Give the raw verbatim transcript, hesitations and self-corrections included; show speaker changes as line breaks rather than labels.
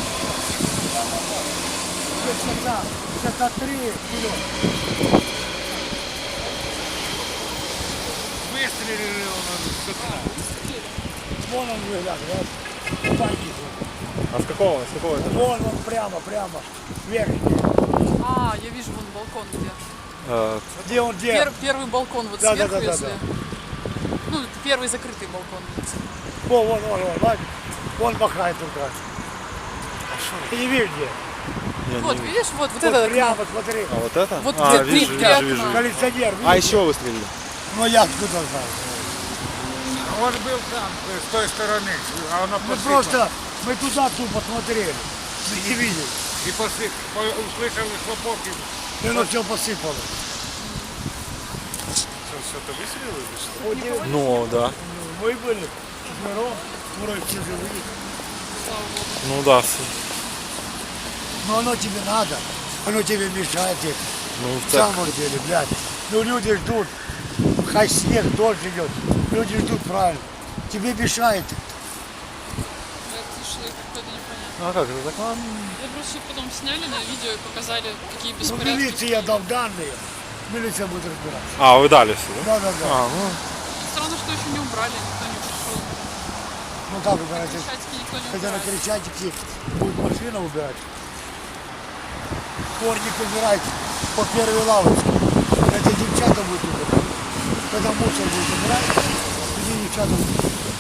шестьдесят три вперед.
Выстрелили он с утра.
Вон он выглядывает. Бандит.
А с какого? С какого это?
Вон он прямо, прямо. Верхний.
А, я вижу вон балкон где.
Э,
Где он, где?
Пер- первый балкон вот
Да, да,
сверху,
да, да,
если.
да.
Ну, первый закрытый балкон.
Вон, вон, вон, вон, вон. Вон махает туда. Ты не видишь где?
я
Вот,
не вижу.
видишь, вот, вот
Вот
это
прямо,
окно.
смотри.
А вот это?
Вот
а,
где
вижу,
три
вижу,
окна.
вижу, вижу.
Коллекционер,
А
видишь?
еще выстрелили.
Ну я откуда знаю?
Он был там, с той стороны, а она
Мы
посыпала.
просто, мы туда тупо смотрели. Мы не видели.
И посып, по- услышали хлопок и
И оно все посыпало.
Что-то выстрелили или что?
Вот где
Ну, да.
мы были четвером, вроде все живые.
Ну да. с-
Но оно тебе надо, оно тебе мешает это.
Ну,
В
так.
самом деле, блядь. Ну люди ждут, хай снег, дождь идет. Люди ждут правильно. Тебе мешает.
Что это какое-то непонятно.
А как это так?
Я просто потом сняли на видео и показали, какие
Ну,
беспорядки.
милиции я дал данные, милиция будет разбираться.
А, вы дали все, да?
Да, да, да.
А, ну.
Странно, что еще не убрали, никто не пришел.
Ну как убирать?
Крещатики никто не
Хотя на
убирает.
Крещатике будет машина убирать. Корник убирать по первой лавочке. Это девчата будут убирать. Когда мусор будет убирать, эти девчата будут убирать.